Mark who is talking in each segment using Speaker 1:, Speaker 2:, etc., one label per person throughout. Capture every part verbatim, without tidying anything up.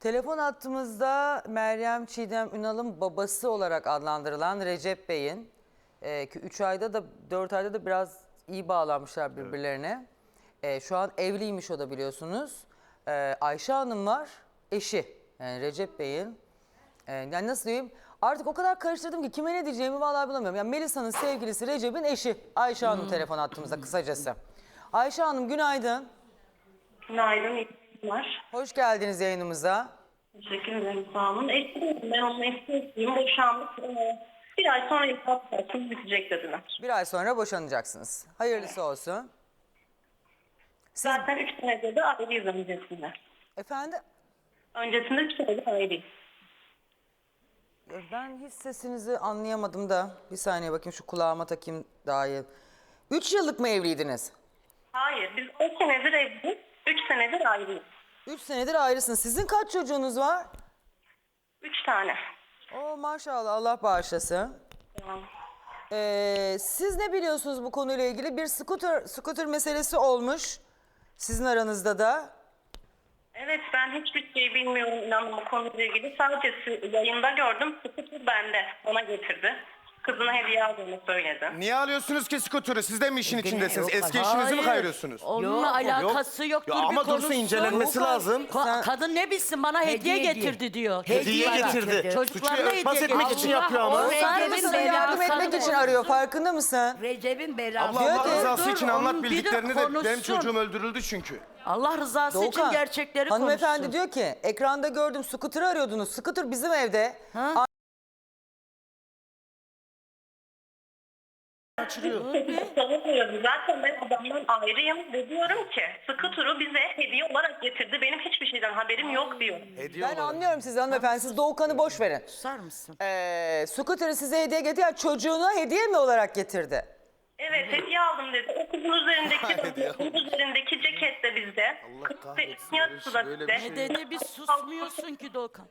Speaker 1: Telefon hattımızda Meryem Çiğdem Ünal'ın babası olarak adlandırılan Recep Bey'in e, ki üç ayda da dört ayda da biraz iyi bağlanmışlar birbirlerine. E, şu an evliymiş o da biliyorsunuz. E, Ayşe Hanım var, eşi. Yani Recep Bey'in. E, yani nasıl diyeyim? Artık o kadar karıştırdım ki kime ne diyeceğimi vallahi bulamıyorum. Yani Melisa'nın sevgilisi Recep'in eşi. Ayşe Hanım telefon hattımızda kısacası. Ayşe Hanım günaydın.
Speaker 2: Günaydın, iyi günler.
Speaker 1: Hoş geldiniz yayınımıza.
Speaker 2: Teşekkür ederim, sağ olun. Eşim, ben onun eşiyim, boşandık. Ee, Bir ay sonra iflas parçamız bitecek dediler.
Speaker 1: Bir ay sonra boşanacaksınız. Hayırlısı olsun. Siz,
Speaker 2: Zaten üç senedir de ayrıyız öncesinde.
Speaker 1: efendim?
Speaker 2: Öncesinde üç senedir ayrıyız.
Speaker 1: Ben hiç sesinizi anlayamadım da. Bir saniye bakayım şu kulağıma takayım daha iyi. Üç yıllık mı evliydiniz?
Speaker 2: Hayır, biz on senedir evliyiz, üç senedir ayrıyız.
Speaker 1: Üç senedir ayrısınız. Sizin kaç çocuğunuz var?
Speaker 2: Üç tane.
Speaker 1: Oo maşallah Allah bağışlasın.
Speaker 2: Yani,
Speaker 1: Ee, siz ne biliyorsunuz bu konuyla ilgili? Bir scooter, scooter meselesi olmuş sizin aranızda da.
Speaker 2: evet, ben hiçbir şey bilmiyorum inanın bu konuyla ilgili. Sadece yayında gördüm, skuter bende, ona getirdi. Kızına hediye aldığını söyledi.
Speaker 3: Niye alıyorsunuz ki skuturu? Siz de mi işin
Speaker 4: Gene
Speaker 3: içindesiniz?
Speaker 4: yok.
Speaker 3: Eski eşinizi mi
Speaker 4: Hayır.
Speaker 3: kayırıyorsunuz?
Speaker 4: Onunla
Speaker 5: Yok,
Speaker 4: alakası yok.
Speaker 3: Ya
Speaker 4: Dur
Speaker 3: ama
Speaker 4: bir
Speaker 3: dursun
Speaker 4: konuşsun.
Speaker 3: incelenmesi
Speaker 1: Yok,
Speaker 3: lazım.
Speaker 4: Ka-
Speaker 1: Sen-
Speaker 4: kadın ne bilsin bana hediye,
Speaker 5: Hediye
Speaker 4: getirdi
Speaker 5: diyor.
Speaker 4: diyor.
Speaker 3: Hediye
Speaker 4: Bak,
Speaker 3: getirdi.
Speaker 4: Çocuklarına
Speaker 3: Suçu örtbas
Speaker 4: hediye
Speaker 3: etmek
Speaker 4: getirdi.
Speaker 3: için yapıyor ama.
Speaker 4: Allah
Speaker 5: Recep'in
Speaker 4: Recep'in
Speaker 1: Sana
Speaker 5: belasını
Speaker 1: yardım etmek
Speaker 4: belasını
Speaker 1: için
Speaker 4: versin.
Speaker 1: arıyor. Farkında mısın?
Speaker 5: Recep'in belasını.
Speaker 3: Abla Allah
Speaker 1: Diyor ki-
Speaker 3: rızası
Speaker 4: Dur,
Speaker 3: için
Speaker 4: onun
Speaker 3: anlat
Speaker 4: bir de
Speaker 3: bildiklerini de benim
Speaker 4: konuşsun.
Speaker 3: çocuğum öldürüldü çünkü.
Speaker 4: Allah rızası için
Speaker 1: Doğukan,
Speaker 4: gerçekleri
Speaker 1: hanımefendi
Speaker 4: konuşsun.
Speaker 1: diyor ki ekranda gördüm scooter'ı arıyordunuz. Scooter bizim evde.
Speaker 4: Ha?
Speaker 2: Savunmuyorum. Zaten ben adamdan ayrıyım ve diyorum ki skuter'ı bize hediye olarak getirdi. Benim hiçbir şeyden haberim yok diyor.
Speaker 3: Hediye
Speaker 1: Ben
Speaker 3: olarak.
Speaker 1: anlıyorum sizi hanımefendi. Siz Doğukan'ı boş verin.
Speaker 4: Susar mısın?
Speaker 1: Ee, scooter'ı size hediye getirdi. Yani çocuğuna hediye mi olarak getirdi?
Speaker 2: Evet, hediye aldım dedi. O kızın üzerindeki,
Speaker 3: Hediye
Speaker 2: kızın üzerindeki ceket de bizde. Kız
Speaker 3: kahretsin,
Speaker 2: yarısı da
Speaker 3: böyle bir
Speaker 2: bizde.
Speaker 3: şey
Speaker 4: Ne dedi bir susmuyorsun ki Doğukan.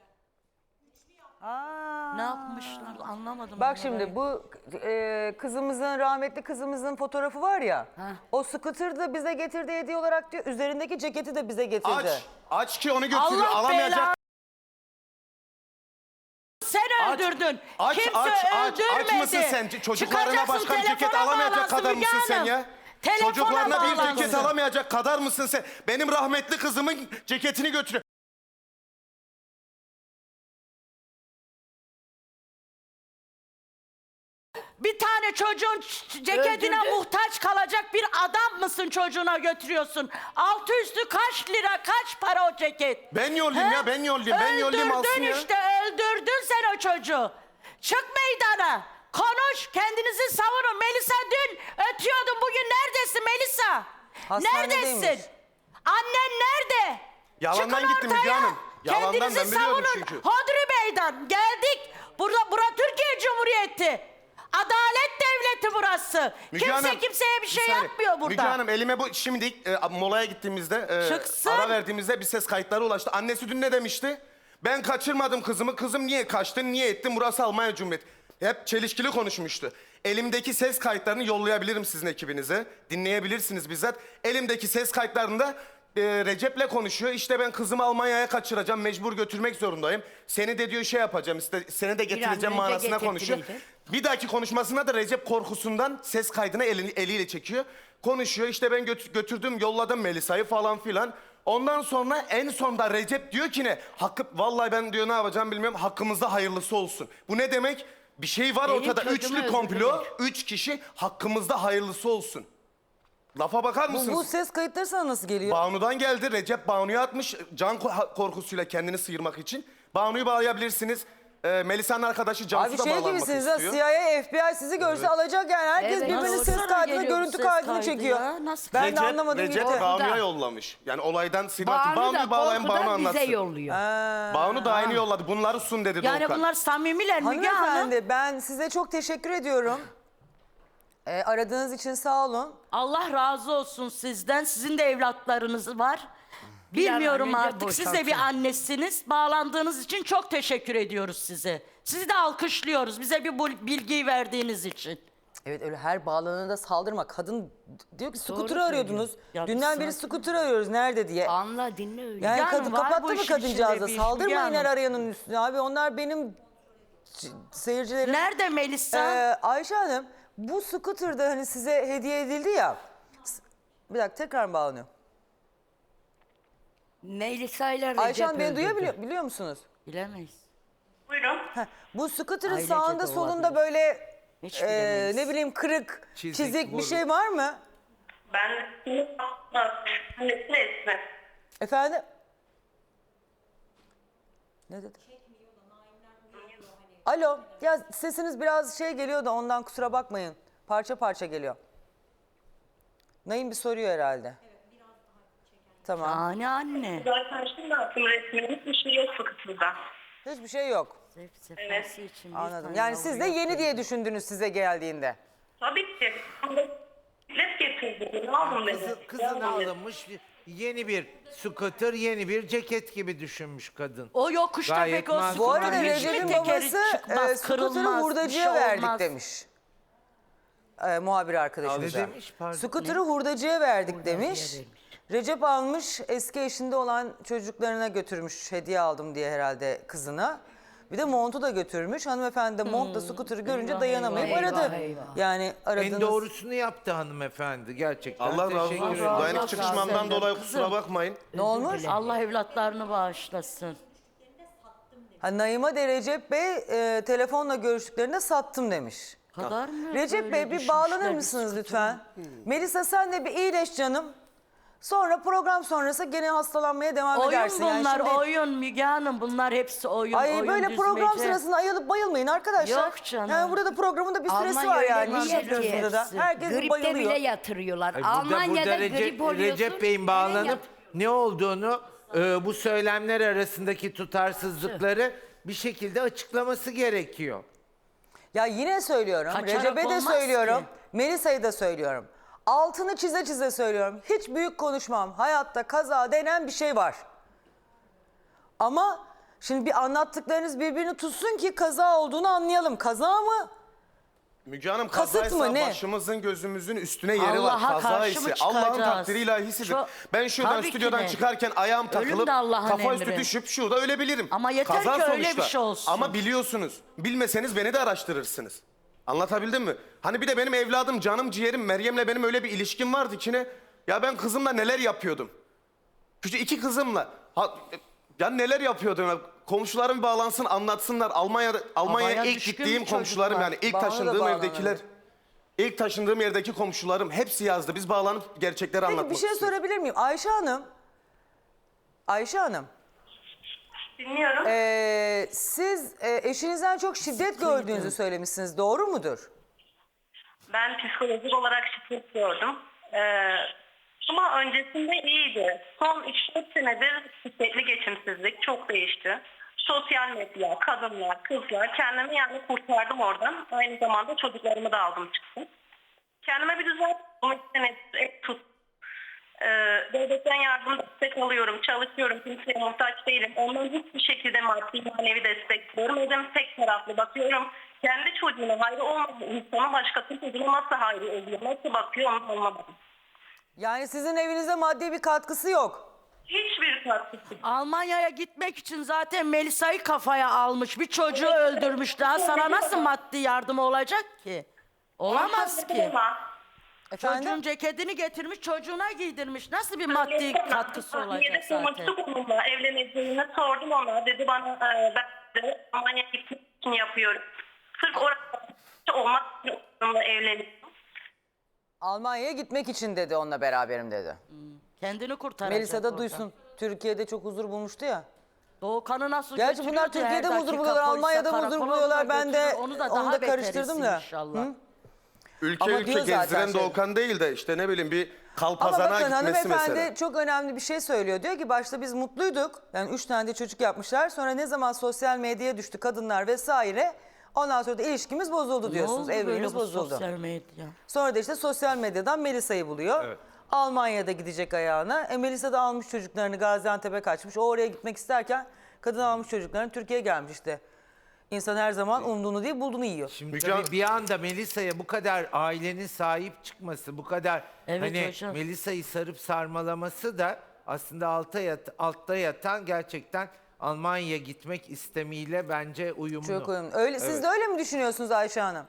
Speaker 1: Aa.
Speaker 4: Ne yapmışlar anlamadım.
Speaker 1: Bak
Speaker 4: ben
Speaker 1: şimdi
Speaker 4: orayı.
Speaker 1: bu e, kızımızın, rahmetli kızımızın fotoğrafı var ya.
Speaker 4: Ha.
Speaker 1: O scooter da bize getirdi hediye olarak diyor. Üzerindeki ceketi de bize getirdi.
Speaker 3: Aç. Aç ki onu götürüyor.
Speaker 4: Allah
Speaker 3: Alamayacak.
Speaker 4: belanı. Sen
Speaker 3: Aç,
Speaker 4: öldürdün.
Speaker 3: Aç,
Speaker 4: Kimse
Speaker 3: aç, aç.
Speaker 4: öldürmedi.
Speaker 3: Aç mısın sen? Çocuklarına
Speaker 4: Çıkacaksın,
Speaker 3: başka bir ceket
Speaker 4: telefona
Speaker 3: alamayacak
Speaker 4: bağlansın
Speaker 3: kadar
Speaker 4: Müge
Speaker 3: mısın sen
Speaker 4: Hanım.
Speaker 3: ya?
Speaker 4: Telefona
Speaker 3: Çocuklarına bir
Speaker 4: bağlansın.
Speaker 3: ceket alamayacak kadar mısın sen? Benim rahmetli kızımın ceketini götürüyor.
Speaker 4: Bir tane çocuğun ç- ceketine
Speaker 5: Öldürdü.
Speaker 4: muhtaç kalacak bir adam mısın çocuğuna götürüyorsun? Altı üstü kaç lira kaç para o ceket?
Speaker 3: Ben yollayayım
Speaker 4: He?
Speaker 3: ya, ben yollayayım. Ben yollayayım alsın
Speaker 4: Öldürdün
Speaker 3: ya.
Speaker 4: işte öldürdün sen o çocuğu. Çık meydana. Konuş kendinizi savunun. Melisa dün ötüyordun bugün neredesin Melisa?
Speaker 1: Hastanedeymiş.
Speaker 4: Neredesin? Annen nerede?
Speaker 3: Yalandan
Speaker 4: Çıkın
Speaker 3: gitti
Speaker 4: ortaya.
Speaker 3: Müge Hanım. Yalandan,
Speaker 4: Kendinizi
Speaker 3: ben biliyorum
Speaker 4: savunun.
Speaker 3: çünkü.
Speaker 4: Hodri Meydan geldik. Burada, bura Türkiye Cumhuriyeti. Adalet devleti burası.
Speaker 3: Müge
Speaker 4: Kimse
Speaker 3: Hanım,
Speaker 4: kimseye bir şey
Speaker 3: saniye.
Speaker 4: yapmıyor burada.
Speaker 3: Müge Hanım elime bu şimdi e, molaya gittiğimizde e,
Speaker 4: Çıksın.
Speaker 3: ara verdiğimizde bir ses kayıtları ulaştı. Annesi dün ne demişti? Ben kaçırmadım kızımı. Kızım niye kaçtı? Niye ettin? Burası Almanya Cumhuriyeti. Hep çelişkili konuşmuştu. Elimdeki ses kayıtlarını yollayabilirim sizin ekibinize. Dinleyebilirsiniz bizzat. Elimdeki ses kayıtlarında e, Recep'le konuşuyor. İşte ben kızımı Almanya'ya kaçıracağım. Mecbur götürmek zorundayım. Seni de diyor şey yapacağım. İşte seni de getireceğim
Speaker 5: önce
Speaker 3: manasına konuşuyor.
Speaker 5: getirttirdi.
Speaker 3: Bir dahaki konuşmasında da Recep korkusundan ses kaydını elini, eliyle çekiyor. Konuşuyor işte ben götü- götürdüm yolladım Melisa'yı falan filan. Ondan sonra en sonda Recep diyor ki ne? Hakkı, vallahi ben diyor ne yapacağım bilmiyorum hakkımızda hayırlısı olsun. Bu ne demek? Bir şey var
Speaker 5: Benim
Speaker 3: ortada.
Speaker 5: çocuğumu
Speaker 3: Üçlü komplo,
Speaker 5: öldürdüler.
Speaker 3: üç kişi hakkımızda hayırlısı olsun. Lafa bakar
Speaker 1: Bu,
Speaker 3: mısınız?
Speaker 1: bu ses kayıtları sana nasıl geliyor?
Speaker 3: Banu'dan geldi. Recep Banu'ya atmış can ko- korkusuyla kendini sıyırmak için. Banu'yu bağlayabilirsiniz. Ee, Melisa'nın arkadaşı Cansu
Speaker 1: Abi
Speaker 3: da
Speaker 1: şey
Speaker 3: bağlanmak
Speaker 1: gibisiniz ha,
Speaker 3: istiyor.
Speaker 1: C I A, F B I sizi görse alacak yani. Herkes
Speaker 5: Evet.
Speaker 1: birbirinin
Speaker 4: Nasıl
Speaker 1: ses
Speaker 4: sana
Speaker 1: kaydını,
Speaker 4: geliyor bu
Speaker 1: görüntü
Speaker 4: ses
Speaker 1: kaydını
Speaker 4: kaydı
Speaker 1: çekiyor.
Speaker 4: ya? Nasıl?
Speaker 1: Ben
Speaker 3: Recep,
Speaker 1: de anlamadım
Speaker 3: Recep
Speaker 1: gitti.
Speaker 3: Banu'ya yollamış. Yani olaydan Sinan
Speaker 5: Banu
Speaker 3: Banu'yu
Speaker 5: da
Speaker 3: bağlayan Banu
Speaker 5: korkudan
Speaker 3: anlatsın.
Speaker 5: bize yolluyor.
Speaker 3: Banu da aynı yolladı. Bunları sun dedi
Speaker 4: Yani
Speaker 3: Doğukan.
Speaker 4: bunlar samimiler Müge Hanım.
Speaker 1: Hanımefendi ben size çok teşekkür ediyorum. Ee, aradığınız için sağ olun.
Speaker 4: Allah razı olsun sizden. Sizin de evlatlarınız var.
Speaker 5: Bir an
Speaker 4: Bilmiyorum
Speaker 5: önce
Speaker 4: artık. Siz de bir
Speaker 5: boşalsın.
Speaker 4: annesiniz. Bağlandığınız için çok teşekkür ediyoruz size. Sizi de alkışlıyoruz. Bize bir bu bilgiyi verdiğiniz için.
Speaker 1: Evet öyle her bağlanana saldırma. Kadın diyor ki scooter'ı
Speaker 5: söylüyor.
Speaker 1: arıyordunuz.
Speaker 4: Ya
Speaker 1: Dünden
Speaker 4: bir
Speaker 1: beri
Speaker 4: sakin-
Speaker 1: scooter arıyoruz nerede diye.
Speaker 5: Anla dinle öyle.
Speaker 1: Yani
Speaker 4: Yani
Speaker 1: kadın
Speaker 4: var
Speaker 1: kapattı
Speaker 4: bu
Speaker 1: mı
Speaker 4: işin
Speaker 1: kadıncağıza?
Speaker 4: içinde bir iş,
Speaker 1: Saldırmayın
Speaker 4: Müge
Speaker 1: her
Speaker 4: Hanım.
Speaker 1: arayanın üstüne abi. Onlar benim c- seyircilerim.
Speaker 4: Nerede Melisa?
Speaker 1: Ee, Ayşe Hanım bu scooter'da hani size hediye edildi ya. S- Bir dakika tekrar mı bağlanıyor?
Speaker 5: Melisa ile Recep
Speaker 1: Ayşe Hanım beni
Speaker 5: öldürdü.
Speaker 1: duyabiliyor biliyor musunuz?
Speaker 4: Bilemeyiz.
Speaker 2: Buyurun.
Speaker 1: Heh, bu scooter'ın
Speaker 4: Ailece
Speaker 1: sağında
Speaker 4: de
Speaker 1: solunda
Speaker 4: olabilir.
Speaker 1: böyle
Speaker 4: Hiç
Speaker 1: e,
Speaker 4: bilemeyiz.
Speaker 1: ne bileyim kırık,
Speaker 6: Çizik,
Speaker 1: çizik, bir
Speaker 6: vuruk.
Speaker 1: şey var mı?
Speaker 2: Ben annesi Esme.
Speaker 1: Efendim? Ne dedi? Alo, ya sesiniz biraz şey geliyor da ondan kusura bakmayın. Parça parça geliyor. Naim bir soruyor herhalde. Tamam.
Speaker 4: Anne anne.
Speaker 2: Zaten şimdi attım resmini. Hiçbir şey yok sıkıntıda.
Speaker 1: Hiçbir şey yok.
Speaker 4: Zevk sefası için bir
Speaker 1: Anladım.
Speaker 4: tane
Speaker 1: Yani siz de
Speaker 4: yavru
Speaker 1: yeni
Speaker 4: yok.
Speaker 1: diye düşündünüz size geldiğinde.
Speaker 2: Tabii ki. Bilet getirdi. Ne aldım dedi.
Speaker 6: Kızı, kızına alınmış yeni bir scooter, yeni bir ceket gibi düşünmüş kadın.
Speaker 4: O yokuşta
Speaker 6: Gayet
Speaker 4: pek o
Speaker 6: makul.
Speaker 1: Bu
Speaker 4: scooter
Speaker 1: arada
Speaker 6: Hiçbir
Speaker 1: Recep'in
Speaker 4: tekeri
Speaker 1: babası
Speaker 4: çıkmaz,
Speaker 1: e, scooter'ı
Speaker 4: kırılmaz, bir
Speaker 1: hurdacıya
Speaker 4: şey
Speaker 1: verdik
Speaker 4: olmaz.
Speaker 1: demiş. E, muhabir arkadaşımıza.
Speaker 6: Ne demiş, pardon?
Speaker 1: Scooter'ı hurdacıya verdik demiş. Recep almış eski eşinde olan çocuklarına götürmüş hediye aldım diye herhalde kızına. Bir de montu da götürmüş. Hanımefendi de montla scooter'ı görünce
Speaker 4: Eyvah,
Speaker 1: dayanamayıp
Speaker 4: eyvah,
Speaker 1: aradı.
Speaker 5: eyvah.
Speaker 1: Yani aradığınız...
Speaker 6: En doğrusunu yaptı hanımefendi gerçekten.
Speaker 3: Allah razı
Speaker 6: Teşekkür
Speaker 3: olsun.
Speaker 6: ederim.
Speaker 3: Dayanık
Speaker 4: Allah
Speaker 3: çıkışmamdan
Speaker 4: razı
Speaker 3: dolayı
Speaker 4: olsun.
Speaker 3: kusura bakmayın.
Speaker 1: Ne olmuş?
Speaker 4: Allah evlatlarını bağışlasın.
Speaker 1: Ha, Naima de Recep Bey e, telefonla görüştüklerinde sattım demiş.
Speaker 4: Kadar mı?
Speaker 1: Recep
Speaker 4: böyle
Speaker 1: Bey bir
Speaker 4: düşünmüşler
Speaker 1: bağlanır
Speaker 4: bir
Speaker 1: mısınız
Speaker 4: scooter'ı?
Speaker 1: lütfen? Melisa sen de bir iyileş canım. Sonra program sonrası gene hastalanmaya devam
Speaker 4: Oyun
Speaker 1: edersin. Yani
Speaker 4: bunlar,
Speaker 1: şimdi-
Speaker 4: oyun Müge Hanım. Bunlar hepsi oyun,
Speaker 1: Ay
Speaker 4: oyun
Speaker 1: böyle program
Speaker 4: düzmece.
Speaker 1: sırasında ayılıp bayılmayın arkadaşlar.
Speaker 4: Yok canım.
Speaker 1: Yani burada da programın da bir süresi
Speaker 5: Almanya
Speaker 1: var
Speaker 5: öyle
Speaker 1: yani.
Speaker 5: bir
Speaker 1: İş
Speaker 5: yer
Speaker 1: yapıyorsunuz
Speaker 5: ki
Speaker 1: da.
Speaker 4: hepsi.
Speaker 1: Herkes
Speaker 5: Gripte
Speaker 1: bayılıyor.
Speaker 5: bile yatırıyorlar.
Speaker 6: Ay, burada,
Speaker 5: Almanya'da
Speaker 6: burada
Speaker 5: grip
Speaker 6: Recep,
Speaker 5: oluyorsun.
Speaker 6: Recep Bey'in
Speaker 5: hemen
Speaker 6: bağlanıp
Speaker 5: yat-
Speaker 6: ne olduğunu, e, bu söylemler arasındaki tutarsızlıkları bir şekilde açıklaması gerekiyor.
Speaker 1: Ya yine söylüyorum.
Speaker 4: Kaçarak
Speaker 1: Recep'e de
Speaker 4: olmaz
Speaker 1: söylüyorum.
Speaker 4: ki.
Speaker 1: Melisa'yı da söylüyorum. Altını çize çize söylüyorum. Hiç büyük konuşmam. Hayatta kaza denen bir şey var. Ama şimdi bir anlattıklarınız birbirini tutsun ki kaza olduğunu anlayalım. Kaza mı?
Speaker 3: Müge Hanım
Speaker 1: Kasıt
Speaker 3: kazaysa
Speaker 1: mı, ne?
Speaker 3: başımızın gözümüzün üstüne yeri
Speaker 4: Allah'a
Speaker 3: var. Kaza
Speaker 4: karşı mı
Speaker 3: ise Allah'ın
Speaker 4: çıkacağız?
Speaker 3: takdiri ilahisidir.
Speaker 4: Çok-
Speaker 3: Ben şuradan
Speaker 4: Tabii ki
Speaker 3: stüdyodan
Speaker 4: de.
Speaker 3: çıkarken ayağım
Speaker 4: Ölüm
Speaker 3: takılıp
Speaker 4: de Allah'ın
Speaker 3: kafa üstü
Speaker 4: emri.
Speaker 3: düşüp şurada ölebilirim.
Speaker 4: Ama yeter
Speaker 3: Kaza
Speaker 4: ki öyle
Speaker 3: sonuçta.
Speaker 4: bir şey olsun.
Speaker 3: Ama biliyorsunuz. Bilmeseniz beni de araştırırsınız. Anlatabildim mi? Hani bir de benim evladım, canım, ciğerim Meryem'le benim öyle bir ilişkim vardı ki ne? Ya ben kızımla neler yapıyordum? Küçük iki kızımla. Ha, ya neler yapıyordum ya? Komşularım bağlansın anlatsınlar. Almanya'da Almanya'ya
Speaker 4: Babaya
Speaker 3: ilk
Speaker 4: düşkün
Speaker 3: gittiğim
Speaker 4: bir
Speaker 3: komşularım
Speaker 4: çocuk var.
Speaker 3: yani ilk
Speaker 1: Bana da
Speaker 3: taşındığım
Speaker 1: bağlanır.
Speaker 3: evdekiler. İlk taşındığım yerdeki komşularım hepsi yazdı. Biz bağlanıp gerçekleri
Speaker 1: Peki
Speaker 3: anlatmak
Speaker 1: bir şey
Speaker 3: istiyoruz.
Speaker 1: sorabilir miyim? Ayşe Hanım. Ayşe Hanım.
Speaker 2: Dinliyorum.
Speaker 1: Ee, siz e, eşinizden çok şiddet gördüğünüzü söylemişsiniz. Doğru mudur?
Speaker 2: Ben psikolojik olarak şiddet gördüm. Ee, ama öncesinde iyiydi. Son üç dört senedir şiddetli geçimsizlik çok değişti. Sosyal medya, kadınlar, kızlar kendimi yani kurtardım oradan. Aynı zamanda çocuklarımı da aldım çıktım. Kendime bir düzen tuttum. Ev tut. Ee, devletten yardım destek alıyorum, çalışıyorum, kimseye muhtaç değilim. Ondan hiçbir şekilde maddi manevi destek görmedim. Tek taraflı bakıyorum. Kendi çocuğuna hayrı olmayan insanın başkasının çocuğuna nasıl hayrı oluyor, nasıl bakıyor onu anlamadım.
Speaker 1: Yani sizin evinize maddi bir katkısı yok.
Speaker 2: Hiçbir katkısı.
Speaker 4: Almanya'ya gitmek için zaten Melisa'yı kafaya almış. Bir çocuğu öldürmüş. Daha sana nasıl maddi yardım olacak ki? Olamaz ki.
Speaker 1: Efendim?
Speaker 4: Çocuğun ceketini getirmiş, çocuğuna giydirmiş. Nasıl bir maddi katkısı olacak zaten?
Speaker 2: Konuştuk onunla, evleneceğini sordum ona. Dedi bana e, ben de Almanya'ya gitmek için yapıyorum. Sırf orada olmak için onunla evleniyorum.
Speaker 1: Almanya'ya gitmek için dedi onunla beraberim dedi.
Speaker 4: Kendini kurtaracak
Speaker 1: Melisa da
Speaker 4: oradan.
Speaker 1: duysun. Türkiye'de çok huzur bulmuştu ya.
Speaker 4: Doğukan'ı nasıl
Speaker 1: Gerçi
Speaker 4: götürüyor
Speaker 1: bunlar
Speaker 4: ki her
Speaker 1: Türkiye'de mi huzur
Speaker 4: dakika
Speaker 1: buluyorlar,
Speaker 4: polise,
Speaker 1: Almanya'da mı huzur
Speaker 4: karakola
Speaker 1: buluyorlar?
Speaker 4: da
Speaker 1: Ben de
Speaker 4: götürür. Onu da,
Speaker 1: onu
Speaker 4: daha
Speaker 1: da
Speaker 4: beter
Speaker 1: karıştırdım
Speaker 4: etsin
Speaker 1: da.
Speaker 4: inşallah.
Speaker 1: Hı?
Speaker 3: Ülke
Speaker 1: Ama
Speaker 3: ülke
Speaker 1: diyor zaten
Speaker 3: gezdiren
Speaker 1: şey-
Speaker 3: Doğukan değil de işte ne bileyim bir
Speaker 1: Ama
Speaker 3: kalpazana
Speaker 1: bakın
Speaker 3: gitmesi
Speaker 1: hanımefendi
Speaker 3: mesela.
Speaker 1: çok önemli bir şey söylüyor. Diyor ki başta biz mutluyduk. Yani üç tane de çocuk yapmışlar. Sonra ne zaman sosyal medyaya düştü kadınlar vesaire. Ondan sonra da ilişkimiz bozuldu
Speaker 4: Ne
Speaker 1: diyorsunuz.
Speaker 4: oldu böyle
Speaker 1: Evliliğimiz
Speaker 4: bu
Speaker 1: bozuldu.
Speaker 4: sosyal medya?
Speaker 1: Sonra da işte sosyal medyadan Melisa'yı buluyor.
Speaker 3: Evet.
Speaker 1: Almanya'da gidecek ayağına. E Melisa da almış çocuklarını Gaziantep'e kaçmış. O oraya gitmek isterken kadın almış çocuklarını Türkiye'ye gelmiş işte. İnsan her zaman umduğunu değil bulduğunu yiyor.
Speaker 6: Şimdi
Speaker 3: Müge
Speaker 6: tabii
Speaker 3: Hanım-
Speaker 6: bir anda Melisa'ya bu kadar ailenin sahip çıkması, bu kadar
Speaker 4: Evet
Speaker 6: hani
Speaker 4: hocam.
Speaker 6: Melisa'yı sarıp sarmalaması da aslında altta, yat, altta yatan gerçekten Almanya'ya gitmek istemiyle bence uyumlu.
Speaker 1: Çok uyumlu. Öyle, siz de öyle mi düşünüyorsunuz Ayşe Hanım?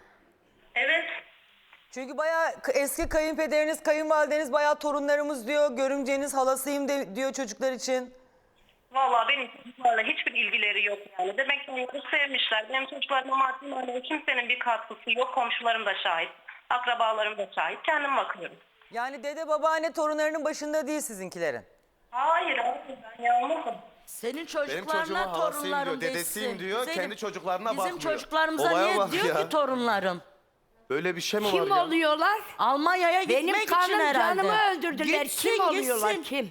Speaker 2: Evet.
Speaker 1: Çünkü bayağı k- eski kayınpederiniz, kayınvalideniz bayağı torunlarımız diyor. Görümceniz halasıyım de, diyor çocuklar için.
Speaker 2: Vallahi benim çocuklarla hiçbir ilgileri yok yani. Demek ki onları sevmişler. Benim çocuklarıma maddi manevi kimsenin bir katkısı yok. Komşularım da şahit. Akrabalarım da şahit. Kendim bakıyorum.
Speaker 1: Yani dede babaanne torunlarının başında değil sizinkilerin.
Speaker 2: Hayır, hayır ben yalnızım.
Speaker 4: Senin
Speaker 3: Benim
Speaker 4: çocuklarına
Speaker 3: çocuğuma halasıyım
Speaker 4: torunlarım
Speaker 3: diyor, dedesiyim
Speaker 4: desin.
Speaker 3: diyor,
Speaker 4: Zeynep,
Speaker 3: kendi çocuklarına
Speaker 4: bizim
Speaker 3: bakmıyor.
Speaker 4: çocuklarımıza
Speaker 3: Olaya
Speaker 4: niye
Speaker 3: bak
Speaker 4: diyor
Speaker 3: ya.
Speaker 4: ki torunlarım?
Speaker 3: Böyle bir şey mi
Speaker 5: Kim
Speaker 3: var ya?
Speaker 5: oluyorlar?
Speaker 4: Almanya'ya
Speaker 5: Benim
Speaker 4: gitmek için
Speaker 5: kanım
Speaker 4: herhalde.
Speaker 5: canımı öldürdüler.
Speaker 4: Gitsin,
Speaker 5: kim oluyorlar?
Speaker 4: gitsin.
Speaker 5: Kim?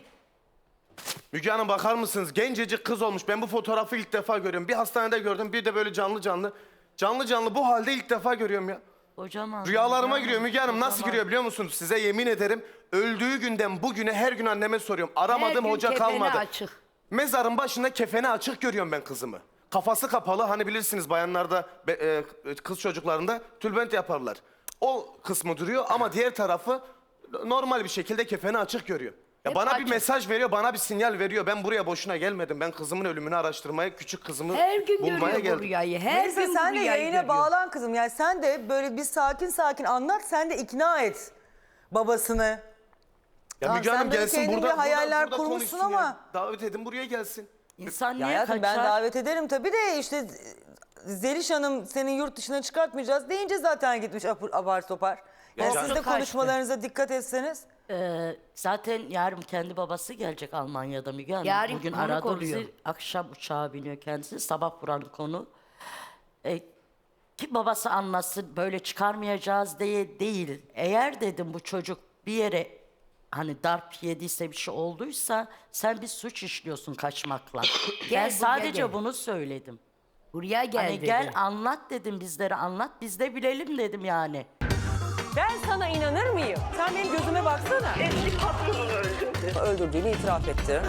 Speaker 3: Müge Hanım bakar mısınız? Gencecik kız olmuş. Ben bu fotoğrafı ilk defa görüyorum. Bir hastanede gördüm, bir de böyle canlı canlı. Canlı canlı bu halde ilk defa görüyorum ya.
Speaker 4: Kocaman.
Speaker 3: Rüyalarıma
Speaker 4: kocaman,
Speaker 3: giriyor Müge Hanım. Nasıl
Speaker 4: kocaman.
Speaker 3: giriyor biliyor musunuz? Size yemin ederim. Öldüğü günden bugüne her gün anneme soruyorum. Aramadığım
Speaker 5: Her gün
Speaker 3: hoca
Speaker 5: kefeni
Speaker 3: kalmadı.
Speaker 5: açık.
Speaker 3: Mezarın başında kefeni açık görüyorum ben kızımı. Kafası kapalı. Hani bilirsiniz bayanlarda, be- e, kız çocuklarında tülbent yaparlar. O kısmı duruyor ama diğer tarafı normal bir şekilde kefeni açık görüyor. Ya
Speaker 5: Hep
Speaker 3: bana bir
Speaker 5: açık.
Speaker 3: mesaj veriyor, bana bir sinyal veriyor. Ben buraya boşuna gelmedim. Ben kızımın ölümünü araştırmaya, küçük kızımı
Speaker 5: Her gün
Speaker 3: bulmaya
Speaker 5: görüyor bu
Speaker 3: geldim.
Speaker 5: rüyayı. Her
Speaker 1: Neyse
Speaker 5: gün
Speaker 1: sen
Speaker 5: bu
Speaker 1: de
Speaker 5: rüyayı
Speaker 1: yayına
Speaker 5: görüyor.
Speaker 1: bağlan kızım. Yani sen de böyle bir sakin sakin anlat. Sen de ikna et babasını.
Speaker 3: Ya
Speaker 1: Tamam,
Speaker 3: Müge
Speaker 1: sen
Speaker 3: Hanım
Speaker 1: böyle
Speaker 3: gelsin
Speaker 1: kendince
Speaker 3: burada,
Speaker 1: hayaller
Speaker 3: burada, burada
Speaker 1: kurmuşsun
Speaker 3: konuşsun
Speaker 1: ama-
Speaker 3: ya. Davet edin buraya gelsin.
Speaker 4: İnsan
Speaker 1: Ya
Speaker 4: niye
Speaker 1: hayatım
Speaker 4: kaçar?
Speaker 1: ben davet ederim tabii de işte Zeliş Hanım senin yurt dışına çıkartmayacağız deyince zaten gitmiş apır, apar topar. Yani
Speaker 3: Ya
Speaker 1: siz de
Speaker 4: kaçtı.
Speaker 1: konuşmalarınıza dikkat etseniz.
Speaker 4: Ee, zaten yarın kendi babası gelecek Almanya'da Müge Hanım.
Speaker 5: Yarın
Speaker 4: Bugün
Speaker 5: konuk
Speaker 4: aradı
Speaker 5: oluyor.
Speaker 4: bizi. Akşam uçağa biniyor kendisi. Sabah buranın konu. Ee, ki babası anlasın böyle çıkarmayacağız diye değil. Eğer dedim bu çocuk bir yere hani darp yediyse bir şey olduysa sen bir suç işliyorsun kaçmakla. ben
Speaker 5: buraya
Speaker 4: sadece
Speaker 5: gel.
Speaker 4: bunu söyledim.
Speaker 5: Buraya gel
Speaker 4: Hani
Speaker 5: dedi.
Speaker 4: gel anlat dedim bizlere anlat biz de bilelim dedim yani.
Speaker 1: Ben sana inanır mıyım? Sen benim gözüme baksana.
Speaker 2: Eski patronunu öldürdü.
Speaker 1: Öldürdüğünü itiraf etti.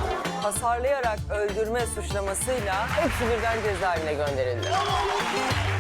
Speaker 1: Hasarlayarak öldürme suçlamasıyla hepsi birden cezaevine gönderildi.